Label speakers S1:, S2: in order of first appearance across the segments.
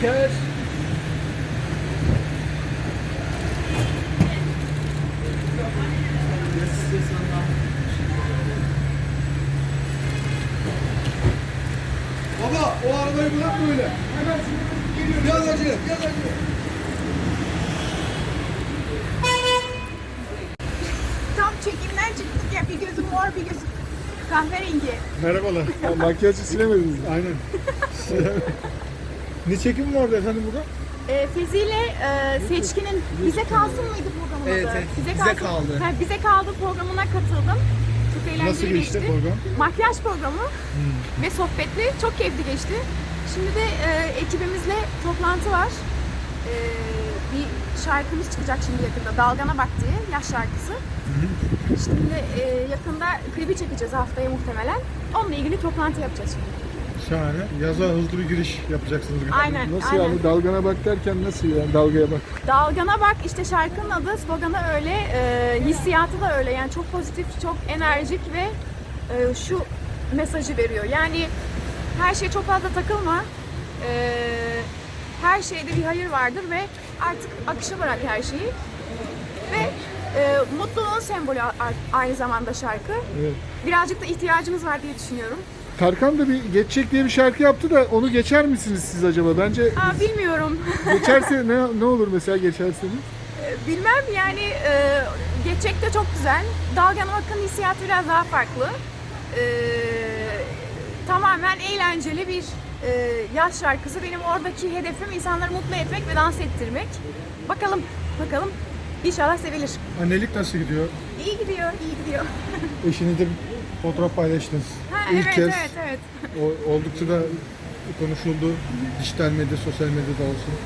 S1: Şeker.
S2: Baba o arabayı bırak böyle. Hemen geliyor. Biraz acele, biraz acele.
S3: Tam çekimden çıktık ya, bir gözüm mor bir gözüm kahverengi.
S4: Merhabalar. Makyajı silemediniz. Aynen. Ne çekim vardı efendim burada?
S3: Fezi ile Seçkin'in Bize Kalsın mıydı programın
S2: Evet,
S3: adı?
S2: evet. Bize Kaldı.
S3: Ha, Bize Kaldı programına katıldım. Çok eğlenceli
S4: Nasıl geçti program?
S3: Makyaj programı ve sohbetli. Çok keyifli geçti. Şimdi de ekibimizle toplantı var. Bir şarkımız çıkacak şimdi yakında. Dalgana Bak diye, yaş şarkısı. Şimdi yakında klibi çekeceğiz haftaya muhtemelen. Onunla ilgili toplantı yapacağız şimdi.
S4: Şahane. Yaza hızlı bir giriş yapacaksınız.
S3: Aynen.
S4: Nasıl
S3: aynen.
S4: yani? Dalgana bak derken nasıl yani? Dalgaya bak.
S3: Dalgana Bak işte şarkının adı, sloganı öyle, hissiyatı da öyle. Yani çok pozitif, çok enerjik ve şu mesajı veriyor. Yani her şeye çok fazla takılma. Her şeyde bir hayır vardır ve artık akışa bırak her şeyi. Ve mutluluğun sembolü aynı zamanda şarkı.
S4: Evet.
S3: Birazcık da ihtiyacımız var diye düşünüyorum.
S4: Tarkan da bir Geçecek diye bir şarkı yaptı da onu geçer misiniz siz acaba? Bence
S3: Bilmiyorum.
S4: geçerse ne olur mesela geçerseniz?
S3: Bilmem yani, geçecek de çok güzel. Dalgana Bak'ın hissiyatı biraz daha farklı. Tamamen eğlenceli bir yaz şarkısı. Benim oradaki hedefim insanları mutlu etmek ve dans ettirmek. Bakalım. İnşallah sevilir.
S4: Annelik nasıl gidiyor?
S3: İyi gidiyor, iyi gidiyor.
S4: Eşinizle bir fotoğraf paylaştınız. İlk
S3: evet,
S4: kez
S3: evet.
S4: oldukça da konuşuldu. Dijital medya, sosyal medyada olsun.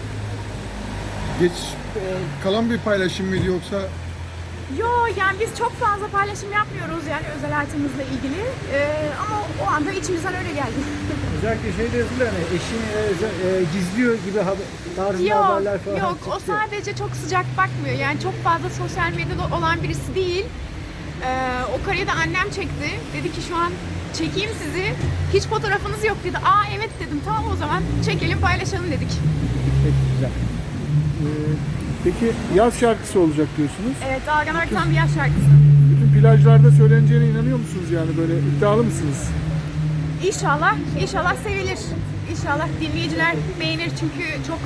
S4: Kalan bir paylaşım mıydı yoksa?
S3: Yo, yani biz çok fazla paylaşım yapmıyoruz yani özel hayatımızla ilgili. Ama o anda içimizden öyle geldi.
S1: Özellikle şeyde yazılıyor hani eşini gizliyor gibi tarzında haberler falan
S3: Yok, o
S1: çıktı.
S3: sadece çok sıcak bakmıyor. Yani çok fazla sosyal medyada olan birisi değil. O kareyi de annem çekti. Dedi ki şu an çekeyim sizi. Hiç fotoğrafınız yok dedi. Aa evet dedim. Tamam o zaman çekelim paylaşalım dedik.
S1: Peki, güzel.
S4: Peki yaz şarkısı olacak diyorsunuz.
S3: Evet, Dalgana Bak tam bir yaz şarkısı.
S4: Bütün plajlarda söyleneceğine inanıyor musunuz yani? Böyle iddialı mısınız?
S3: İnşallah sevilir. İnşallah dinleyiciler beğenir çünkü çok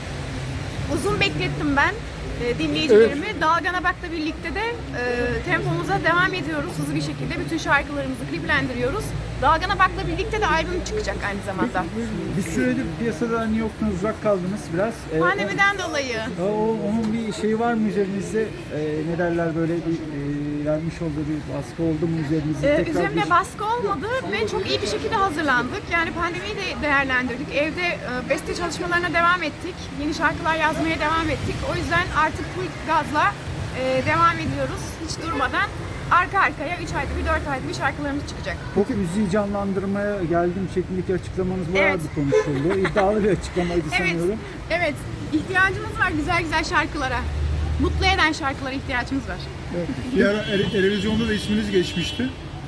S3: uzun beklettim ben dinleyicilerimi. Evet. Dalgana Bak'la birlikte de tempomuza devam ediyoruz hızlı bir şekilde. Bütün şarkılarımızı kliplendiriyoruz. Dalgana Bak'la birlikte de albüm çıkacak aynı zamanda.
S1: Bir süredir piyasada hani yoktunuz, uzak kaldınız biraz.
S3: Pandemiden dolayı.
S1: Onun bir şeyi var mı üzerinizde? Ne derler böyle bir vermiş olduğu bir baskı oldu mu üzerinizde?
S3: Üzerimde baskı olmadı ve çok iyi bir şekilde hazırlandık. Yani pandemiyi de değerlendirdik. Evde beste çalışmalarına devam ettik. Yeni şarkılar yazmaya devam ettik. O yüzden artık full gazla devam ediyoruz. Hiç durmadan. Arka arkaya 3 ayda bir 4 ayda bir şarkılarımız çıkacak.
S1: Peki müziği canlandırmaya geldim şeklindeki açıklamanız bayağı bir konuşuldu. İddialı bir açıklamaydı sanıyorum.
S3: Evet. İhtiyacımız var güzel şarkılara. Mutlu eden şarkılara ihtiyacımız var.
S4: Evet. Bir ara televizyonda da isminiz geçmişti.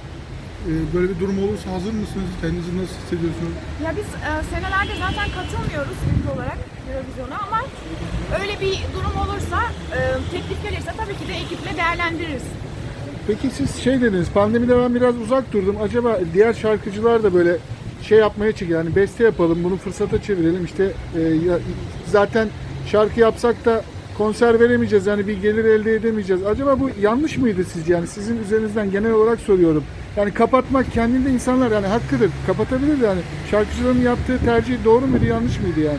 S4: Böyle bir durum olursa hazır mısınız? Kendinizi nasıl hissediyorsunuz?
S3: Ya biz senelerde zaten katılmıyoruz ülke olarak Eurovision'a ama öyle bir durum olursa, teklif gelirse tabii ki de ekiple değerlendiririz.
S4: Peki siz dediniz, pandemide ben biraz uzak durdum. Acaba diğer şarkıcılar da böyle yapmaya çıkıyor. Yani beste yapalım, bunu fırsata çevirelim. İşte zaten şarkı yapsak da konser veremeyeceğiz. Yani bir gelir elde edemeyeceğiz. Acaba bu yanlış mıydı sizce? Yani sizin üzerinizden genel olarak soruyorum. Yani kapatmak kendinde insanlar yani hakkıdır. Kapatabilir yani. Şarkıcıların yaptığı tercih doğru muydu, yanlış mıydı yani?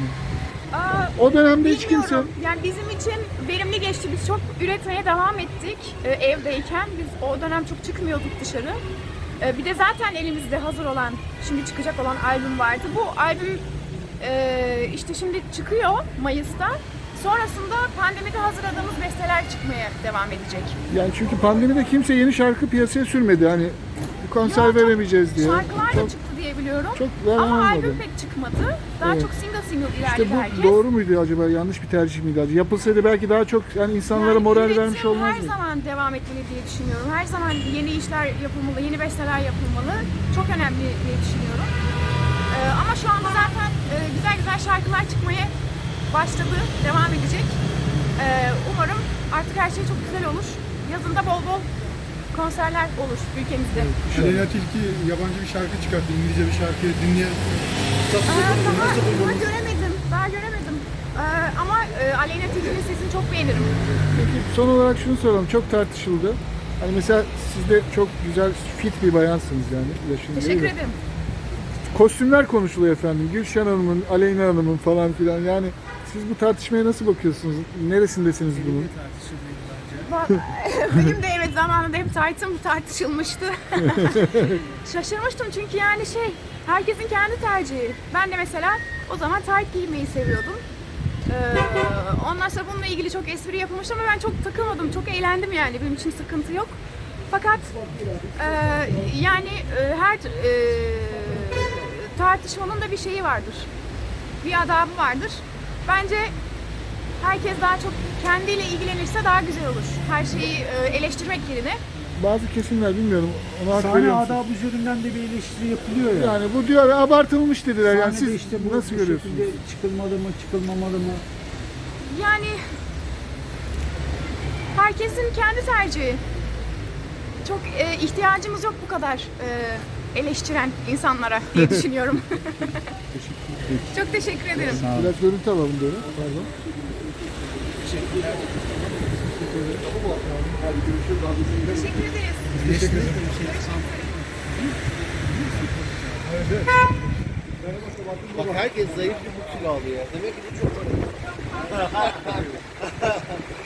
S4: O dönemde hiç kimse...
S3: Yani bizim için verimli geçti. Biz çok üretmeye devam ettik evdeyken. Biz o dönem çok çıkmıyorduk dışarı. Bir de zaten elimizde hazır olan, şimdi çıkacak olan albüm vardı. Bu albüm işte şimdi çıkıyor Mayıs'ta. Sonrasında pandemide hazırladığımız besteler çıkmaya devam edecek.
S4: Yani çünkü pandemide kimse yeni şarkı piyasaya sürmedi. Hani konser veremeyeceğiz diye.
S3: Şarkılar da çıktı diye biliyorum. Ama
S4: olmadı.
S3: albüm pek çıkmadı. Daha çok single ilerledi
S4: İşte bu
S3: herkes.
S4: doğru muydu acaba? Yanlış bir tercih miydi acaba? Yapılsaydı belki daha çok insanlara moral
S3: üretim
S4: vermiş olmaz
S3: her
S4: mı?
S3: zaman devam etmeli diye düşünüyorum. Her zaman yeni işler yapılmalı, yeni besteler yapılmalı. Çok önemli diye düşünüyorum. Ama şu anda zaten güzel şarkılar çıkıyor. çıkmaya başladı, devam edecek. Umarım artık her şey çok güzel olur. Yazında bol bol konserler olur ülkemizde.
S2: Aleyna Tilki yabancı bir şarkı çıkarttı. İngilizce bir şarkı dinleyen.
S3: Daha göremedim, daha göremedim. Ama Aleyna Tilki'nin sesini çok beğenirim.
S4: Peki son olarak şunu soralım. Çok tartışıldı. Hani mesela siz de çok güzel fit bir bayansınız yani. Yaşın
S3: Teşekkür
S4: değil de.
S3: ederim.
S4: Kostümler konuşuluyor efendim. Gülşen Hanım'ın, Aleyna Hanım'ın falan filan. Yani siz bu tartışmaya nasıl bakıyorsunuz? Neresindesiniz bunun?
S3: Benim de evet zamanında hep taytım tartışılmıştı. Şaşırmıştım çünkü yani herkesin kendi tercihi. Ben de mesela o zaman tayt giymeyi seviyordum. Ondan sonra bununla ilgili çok espri yapılmıştı ama ben çok takılmadım, çok eğlendim yani. Benim için sıkıntı yok. Fakat yani her tartışmanın da bir şeyi vardır. Bir adabı vardır. Bence herkes daha çok kendiyle ilgilenirse daha güzel olur. Her şeyi eleştirmek yerine.
S4: Bazı kesimler bilmiyorum. Ona hak
S1: Sahne
S4: veriyor musunuz?
S1: adabı üzerinden de bir eleştiri yapılıyor ya.
S4: Yani bu diyor abartılmış dediler. Yani
S1: Sahnede
S4: siz
S1: işte bu
S4: nasıl görüyorsunuz?
S1: şekilde çıkılmalı mı, çıkılmamalı mı?
S3: Yani herkesin kendi tercihi. Çok ihtiyacımız yok bu kadar eleştiren insanlara diye düşünüyorum. Çok teşekkür ederim.
S4: Biraz görüntü alalım böyle. Pardon.
S3: Teşekkür ederiz.
S5: Bak herkes zayıf bir bu kilo alıyor. Demek ki bu çok